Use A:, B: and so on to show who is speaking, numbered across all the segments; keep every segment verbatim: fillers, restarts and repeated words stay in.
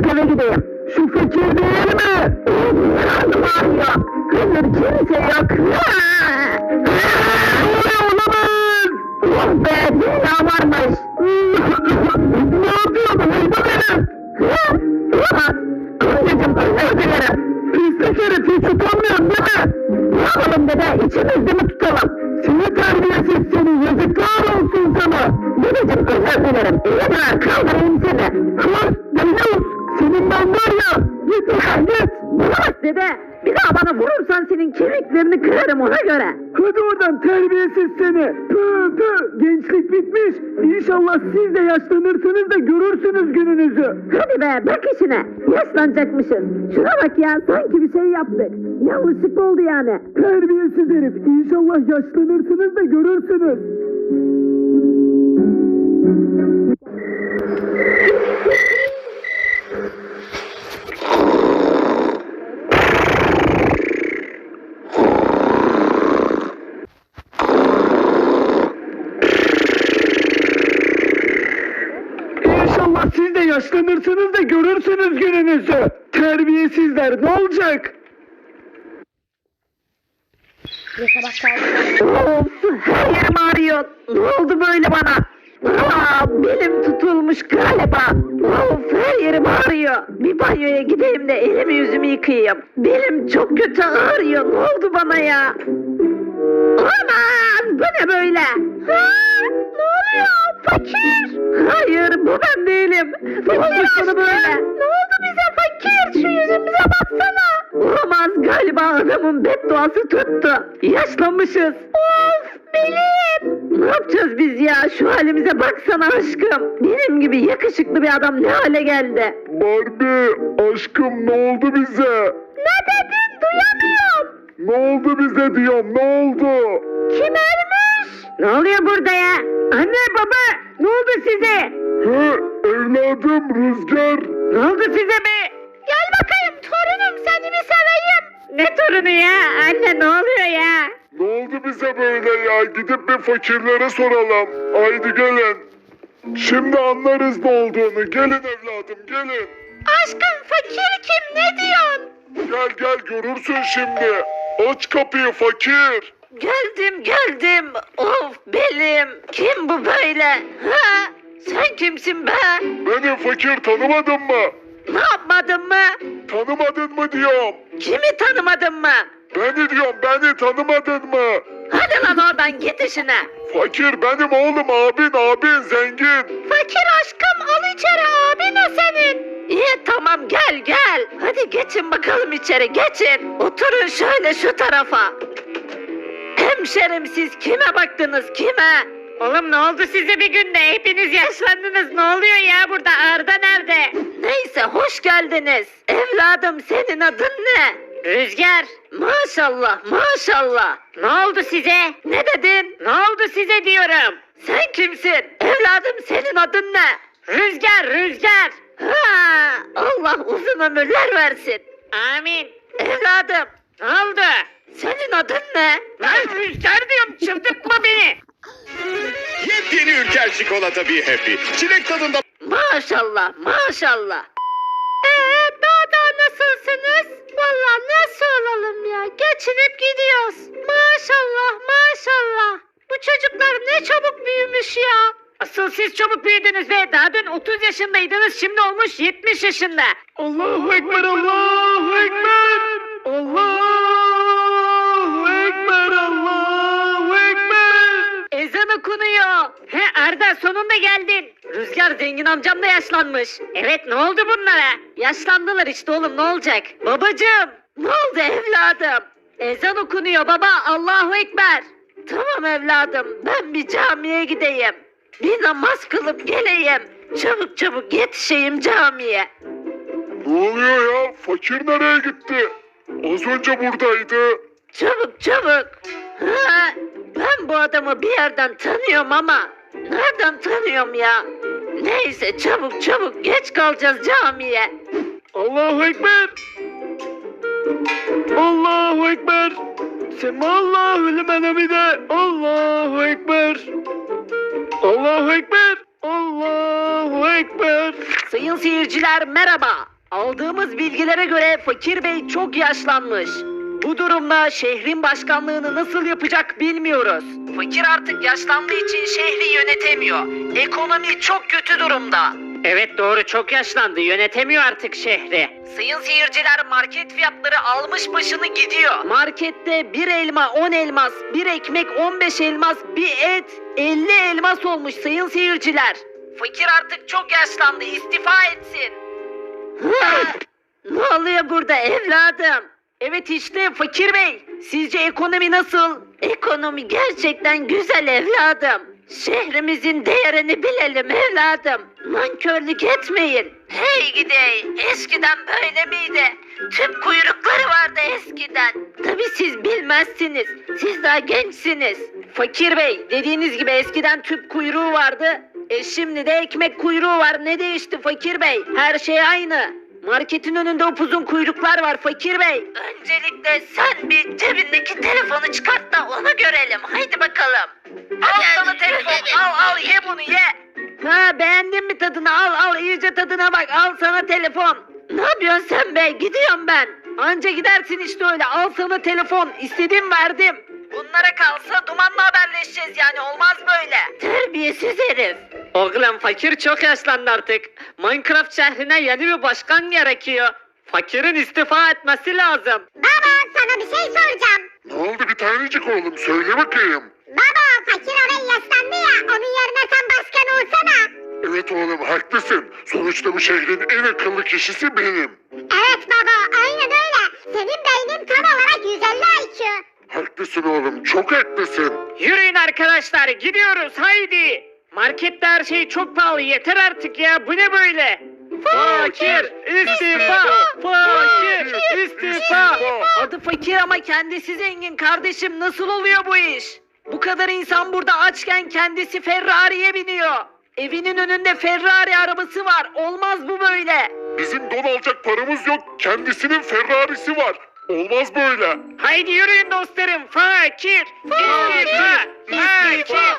A: eve gideyim. Şu fakir değil mi? Karnım ağrıyor. Hayır kimse yok. Olamaz. Oh be dünya varmış. Ne yapıyordun? Uydu benim. Olamaz. Anneciğim özür dilerim. Pislik herif hiç utanmıyorsun değil mi? Ne yapalım dede içimizde mi tutalım? Seni terbiyesiz seni yazıklar olsun sana. Dedeciğim özür dilerim. İyi bırak kaldırayım seni. Kız Yavuz senin ben var ya. Git ulan git. Bırak dede. Bir daha bana vurursan senin kemiklerini kırarım ona göre. Hadi oradan terbiyesiz seni. Pü pü gençlik bitmiş. İnşallah siz de yaşlanırsınız da görürsünüz gününüzü. Hadi be bak işine. Yaşlanacakmışız. Şuna bak ya sanki bir şey yaptık. Yanlışlıkla oldu yani. Terbiyesiz herif. İnşallah yaşlanırsınız da görürsünüz. İnşallah siz de yaşlanırsınız da görürsünüz gününüzü. Terbiyesizler ne olacak? Of her yerim ağrıyor. Ne oldu böyle bana? Aa, belim tutulmuş galiba. Of her yerim ağrıyor. Bir banyoya gideyim de elimi yüzümü yıkayayım. Belim çok kötü ağrıyor. Ne oldu bana ya? Aman bu ne böyle? Ha, ne oluyor? Fakir. Hayır bu ben değilim. Fakir sana böyle. Ne oldu bize fakir? Şu yüzümüze baksana. Olamaz galiba adamın bedduası tuttu. Yaşlanmışız. Of belim. Ne yapacağız biz ya? Şu halimize baksana aşkım. Benim gibi yakışıklı bir adam ne hale geldi?
B: Barbie aşkım ne oldu bize?
A: Ne dedin? Duyamıyorum.
B: Ne oldu bize diyorum ne oldu?
A: Kim ölmüş? Ne oluyor burada ya? Anne baba ne oldu size?
B: He evladım Rüzgar.
A: Ne oldu size be? Gel bakayım torunum seni bir seveyim. Ne torunu ya? Anne ne oluyor ya?
B: Ne oldu bize böyle ya? Gidip bir fakirlere soralım. Haydi gelin. Şimdi anlarız ne olduğunu. Gelin evladım gelin.
A: Aşkım fakir kim ne diyorsun?
B: Gel gel görürsün şimdi. Aç kapıyı fakir.
A: Geldim geldim. Of belim. Kim bu böyle? Ha? Sen kimsin be?
B: Beni fakir tanımadın mı?
A: Ne yapmadın mı?
B: Tanımadın mı diyorum.
A: Kimi tanımadın mı?
B: Beni diyorum beni tanımadın mı?
A: Hadi lan oradan git işine.
B: Fakir benim oğlum abin abin zengin.
A: Fakir aşkım al içeri abin o senin. İyi tamam gel gel. Hadi geçin bakalım içeri geçin. Oturun şöyle şu tarafa. Hemşerim siz kime baktınız kime? Oğlum ne oldu size bir günde hepiniz yaşlandınız ne oluyor ya burada Arda nerede? Neyse hoş geldiniz. Evladım senin adın ne? Rüzgar. Maşallah maşallah. Ne oldu size? Ne dedin? Ne oldu size diyorum. Sen kimsin? Evladım senin adın ne? Rüzgar Rüzgar. Ha, Allah uzun ömürler versin. Amin. Evladım ne oldu? Senin adın ne? Ben Rüzgar diyorum çıldırtma beni.
C: Yepyeni Ülker çikolata bir happy. Çilek tadında.
A: Maşallah maşallah. Eee daha da nasılsınız? Vallahi nasıl olalım ya geçinip gidiyoruz. Maşallah maşallah. Bu çocuklar ne çabuk büyümüş ya. Asıl siz çabuk büyüdünüz ve daha dün otuz yaşındaydınız şimdi olmuş yetmiş yaşında. Allahu Ekber Allahu Ekber. Allahu Ekber Allahu Ekber. Ezan okunuyor. He Arda sonunda geldin. Rüzgar zengin amcam da yaşlanmış. Evet ne oldu bunlara? Yaşlandılar işte oğlum ne olacak? Babacığım ne oldu evladım? Ezan okunuyor baba Allahu Ekber. Tamam evladım ben bir camiye gideyim. Bir namaz kılıp geleyim. Çabuk çabuk yetişeyim camiye.
B: Ne oluyor ya? Fakir nereye gitti? Az önce buradaydı.
A: Çabuk çabuk. Ha, ben bu adamı bir yerden tanıyorum ama nereden tanıyorum ya? Neyse çabuk çabuk geç kalacağız camiye.
B: Allahu Ekber. Allahu Ekber. Semallahu limen hamide. Allahu Ekber. Allahu Ekber. Allahu Ekber.
A: Sayın seyirciler merhaba.
D: Aldığımız bilgilere göre Fakir Bey çok yaşlanmış. Bu durumda şehrin başkanlığını nasıl yapacak bilmiyoruz. Fakir artık yaşlandığı için şehri yönetemiyor. Ekonomi çok kötü durumda. Evet doğru, çok yaşlandı, yönetemiyor artık şehri. Sayın seyirciler, market fiyatları almış başını gidiyor. Markette bir elma on elmas, bir ekmek on beş elmas, bir et elli elmas olmuş sayın seyirciler. Fakir artık çok yaşlandı, istifa etsin. Ne oluyor burada evladım? Evet işte Fakir Bey. Sizce ekonomi nasıl? Ekonomi gerçekten güzel evladım. Şehrimizin değerini bilelim evladım. Nankörlük etmeyin. Hey gidey. Eskiden böyle miydi? Tüp kuyrukları vardı eskiden. Tabii siz bilmezsiniz. Siz daha gençsiniz. Fakir Bey, dediğiniz gibi eskiden tüp kuyruğu vardı. E şimdi de ekmek kuyruğu var. Ne değişti Fakir Bey? Her şey aynı. Marketin önünde upuzun kuyruklar var Fakir Bey. Öncelikle sen bir cebindeki telefonu çıkart da onu görelim. Haydi bakalım. Al sana telefon. Al al ye bunu ye. Ha, beğendin mi tadını? Al al iyice tadına bak. Al sana telefon. Ne yapıyorsun sen be? Gidiyorum ben. Anca gidersin işte öyle. Al sana telefon. İstediğim verdim. Bunlara kalsa Duman'la haberleşeceğiz yani, olmaz böyle. Terbiyesiz herif. Oğlum Fakir çok yaşlandı artık. Minecraft şehrine yeni bir başkan gerekiyor. Fakir'in istifa etmesi lazım.
E: Baba sana bir şey soracağım.
B: Ne oldu bir tanecik oğlum, söyle bakayım.
E: Baba Fakir abi yaşlandı ya, onun yerine sen başkan olsana.
B: Evet oğlum, haklısın. Sonuçta bu şehrin en akıllı kişisi benim.
E: Evet baba aynen öyle. Senin beynin tam olarak yüz elli I Q.
B: Haklısın oğlum, çok haklısın.
D: Yürüyün arkadaşlar, gidiyoruz haydi. Markette her şey çok pahalı, yeter artık ya, bu ne böyle? Fakir istifa! Fakir istifa! Adı Fakir ama kendisi zengin kardeşim, nasıl oluyor bu iş? Bu kadar insan burada açken kendisi Ferrari'ye biniyor. Evinin önünde Ferrari arabası var, olmaz bu böyle.
B: Bizim don alacak paramız yok, kendisinin Ferrari'si var. Olmaz böyle.
D: Haydi yürüyün dostlarım, fakir! İstifa! Fakir!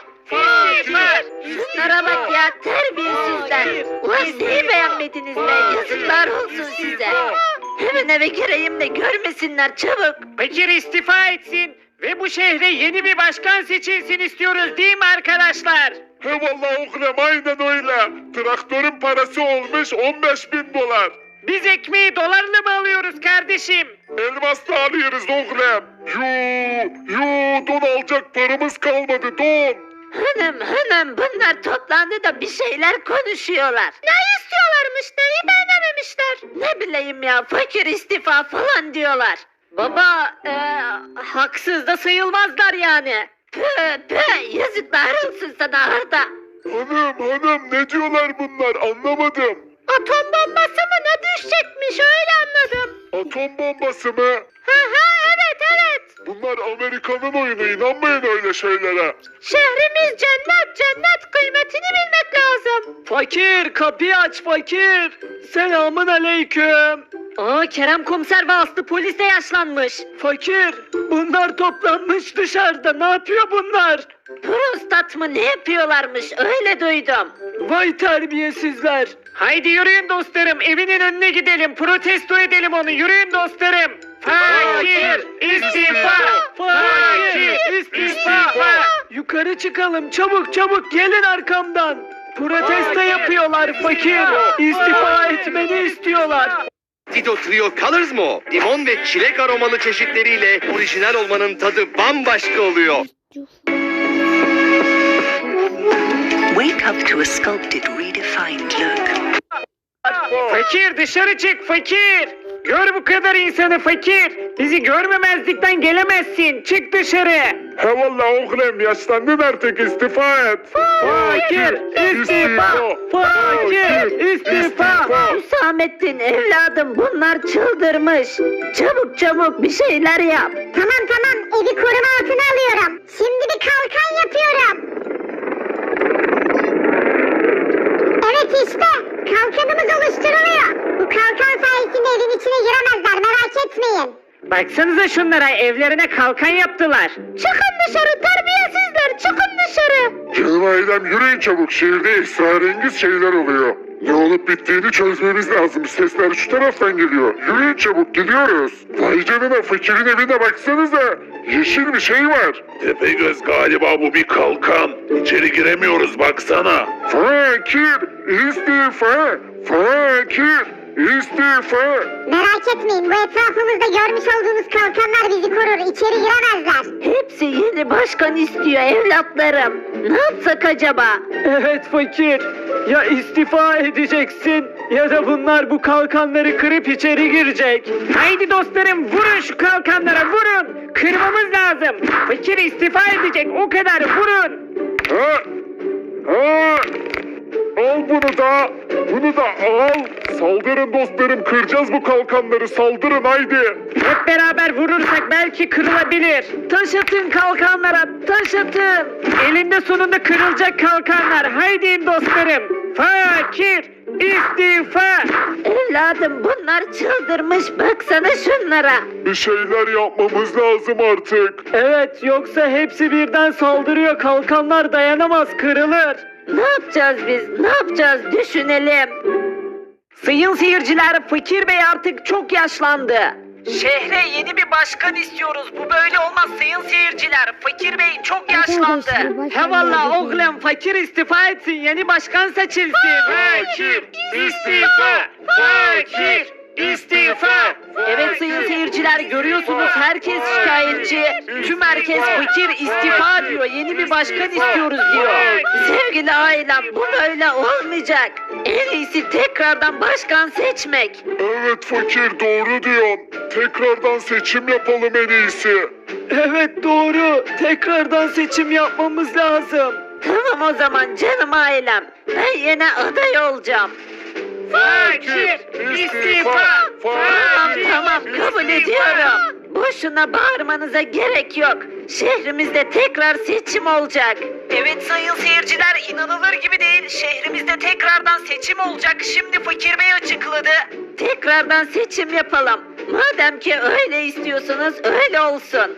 D: Fakir! Şunlara bak ya, terbiyesizler. Ulan neyi beğenmediniz be, yazıklar olsun size. Hemen eve gireyim de görmesinler çabuk. Fakir istifa etsin ve bu şehre yeni bir başkan seçilsin istiyoruz değil mi arkadaşlar?
B: He vallahi oğlum, aynen öyle. Traktörün parası olmuş on beş bin dolar.
D: Biz ekmeği dolarla mı alıyoruz kardeşim?
B: Elmasla alıyoruz oğlum. Yuu, yuu, don alacak paramız kalmadı, don.
D: Hanım hanım, bunlar toplandı da bir şeyler konuşuyorlar. Ne istiyorlarmış, neyi beğenememişler? Ne bileyim ya, fakir istifa falan diyorlar. Baba ee, haksız da sayılmazlar yani. Püh püh, yazıklar olsun sana Arda.
B: Hanım hanım, ne diyorlar bunlar, anlamadım.
D: Atom bombası mı ne düşecekmiş, öyle anladım.
B: Atom bombası mı?
D: Ha ha evet evet.
B: Bunlar Amerika'nın oyunu, inanmayın öyle şeylere.
D: Şehrimiz cennet cennet, kıymetini bilmek lazım. Fakir kapıyı aç fakir. Selamun aleyküm. Aa, Kerem komiser ve Aslı polis de yaşlanmış. Fakir bunlar toplanmış dışarıda, ne yapıyor bunlar? Prostat mı ne yapıyorlarmış, öyle duydum. Vay terbiyesizler. Haydi yürüyün dostlarım, evinin önüne gidelim, protesto edelim onu, yürüyün dostlarım. Fakir istifa! Fakir istifa! Yukarı çıkalım, çabuk çabuk gelin arkamdan. Protesto yapıyorlar fakir. İstifa etmeni istiyorlar.
F: Tito Trio Colors mı o? Limon ve çilek aromalı çeşitleriyle orijinal olmanın tadı bambaşka oluyor.
G: Wake up to a sculpted, redefined look.
D: Fakir dışarı çık fakir. Gör bu kadar insanı fakir. Bizi görmemezlikten gelemezsin. Çık dışarı.
B: He vallahi oğlum, yaşlandın artık, istifa et.
D: Fakir istifa. Fakir istifa. Hüsamettin evladım, bunlar çıldırmış. Çabuk çabuk bir şeyler yap.
E: Tamam tamam evi koruma altına alıyorum. Şimdi bir kalkan yapıyorum. Evet işte kalkanımız oluşturuluyor. Bu kalkan sayesinde evin içine giremezler, merak etmeyin.
D: Baksanıza şunlara, evlerine kalkan yaptılar. Çıkın dışarı terbiyesizler, çıkın dışarı.
B: Canım ailem, yürüyün çabuk, şehirde esrarengiz şeyler oluyor. Ne olup bittiğini çözmemiz lazım. Sesler şu taraftan geliyor. Yürüyün çabuk, gidiyoruz. Vay canına, fakirin evine baksanıza. Yeşil bir şey var. Tepegöz, galiba bu bir kalkan. İçeri giremiyoruz, baksana. Fakir, istifa. Fakir, istifa.
E: Merak etmeyin, bu etrafımızda görmüş olduğunuz kalkanlar bizi korur. İçeri giremezler.
D: Hepsi yeni başkan istiyor evlatlarım. Ne yapsak acaba?
H: Evet fakir. Ya istifa edeceksin ya da bunlar bu kalkanları kırıp içeri girecek. Haydi dostlarım, vurun şu kalkanlara, vurun. Kırmamız lazım. Fakir istifa edecek, o kadar, vurun.
B: Ha? Ha? Al bunu da, bunu da al. Saldırın dostlarım, kıracağız bu kalkanları, saldırın haydi.
H: Hep beraber vurursak belki kırılabilir. Taş atın kalkanlara, taş atın. Elinde sonunda kırılacak kalkanlar. Haydi dostlarım. Fakir istifa.
D: Evladım bunlar çıldırmış, baksana şunlara.
B: Bir şeyler yapmamız lazım artık.
H: Evet, yoksa hepsi birden saldırıyor. Kalkanlar dayanamaz, kırılır.
D: Ne yapacağız biz? Ne yapacağız? Düşünelim.
H: Sayın seyirciler, Fakir Bey artık çok yaşlandı. Şehre yeni bir başkan istiyoruz. Bu böyle olmaz sayın seyirciler. Fakir Bey çok yaşlandı. He valla oğlum, Fakir istifa etsin, yeni başkan seçilsin. Fakir istifa! Fakir istifa! Evet sayın seyirciler, görüyorsunuz herkes şikayetçi. Tüm herkes Fakir istifa diyor. Yeni bir başkan istiyoruz diyor.
D: Sevgili ailem, bu böyle olmayacak. En iyisi tekrardan başkan seçmek.
B: Evet fakir, doğru diyorsun. Tekrardan seçim yapalım en iyisi.
H: Evet doğru. Tekrardan seçim yapmamız lazım.
D: Tamam o zaman canım ailem. Ben yine aday olacağım.
H: Fakir istifa!
D: Tamam tamam, kabul ediyorum. Boşuna bağırmanıza gerek yok. Şehrimizde tekrar seçim olacak.
H: Evet sayın seyirciler, inanılır gibi değil. Şehrimizde tekrardan seçim olacak. Şimdi Fakir Bey açıkladı.
D: Tekrardan seçim yapalım. Madem ki öyle istiyorsunuz, öyle olsun.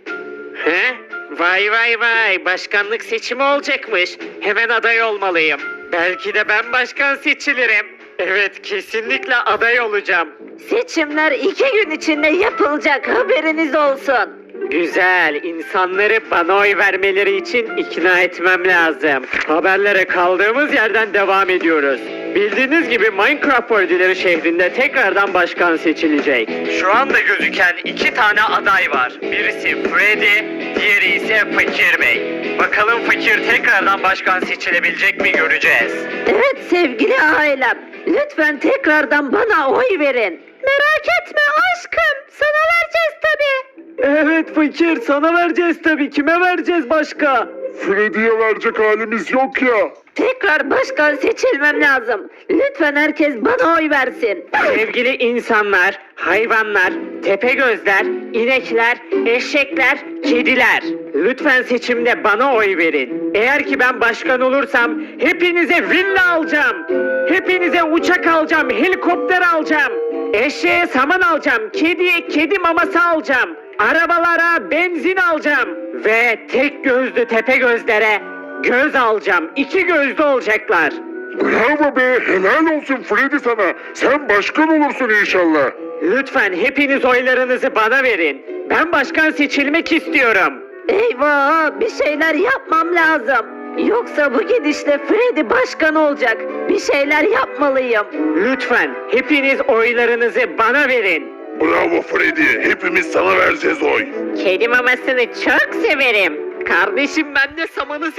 H: He? Vay vay vay, başkanlık seçimi olacakmış. Hemen aday olmalıyım. Belki de ben başkan seçilirim. Evet, kesinlikle aday olacağım.
D: Seçimler iki gün içinde yapılacak, haberiniz olsun.
H: Güzel, insanları bana oy vermeleri için ikna etmem lazım. Haberlere kaldığımız yerden devam ediyoruz. Bildiğiniz gibi Minecraft Worldileri şehrinde tekrardan başkan seçilecek. Şu anda gözüken iki tane aday var. Birisi Freddy, diğeri ise Fakir Bey. Bakalım Fakir tekrardan başkan seçilebilecek mi, göreceğiz.
D: Evet sevgili ailem, lütfen tekrardan bana oy verin. Merak etme aşkım, sana vereceğiz tabii.
H: Evet Fakir, sana vereceğiz tabii. Kime vereceğiz başka?
B: Freddy'ye verecek halimiz yok ya.
D: Tekrar başkan seçilmem lazım. Lütfen herkes bana oy versin.
H: Sevgili insanlar, hayvanlar, tepegözler, inekler, eşekler, kediler. Lütfen seçimde bana oy verin. Eğer ki ben başkan olursam hepinize villa alacağım. Hepinize uçak alacağım, helikopter alacağım. Eşeğe saman alacağım, kediye kedi maması alacağım. Arabalara benzin alacağım. Ve tek gözlü tepegözlere göz alacağım. İki gözlü olacaklar.
B: Bravo be, helal olsun Freddy sana. Sen başkan olursun inşallah.
H: Lütfen hepiniz oylarınızı bana verin. Ben başkan seçilmek istiyorum.
D: Eyvah, bir şeyler yapmam lazım. Yoksa bu gidişle Freddy başkan olacak. Bir şeyler yapmalıyım.
H: Lütfen hepiniz oylarınızı bana verin.
B: Bravo Freddy, hepimiz sana vereceğiz oy.
H: Kedi mamasını çok severim. Kardeşim, ben de samanı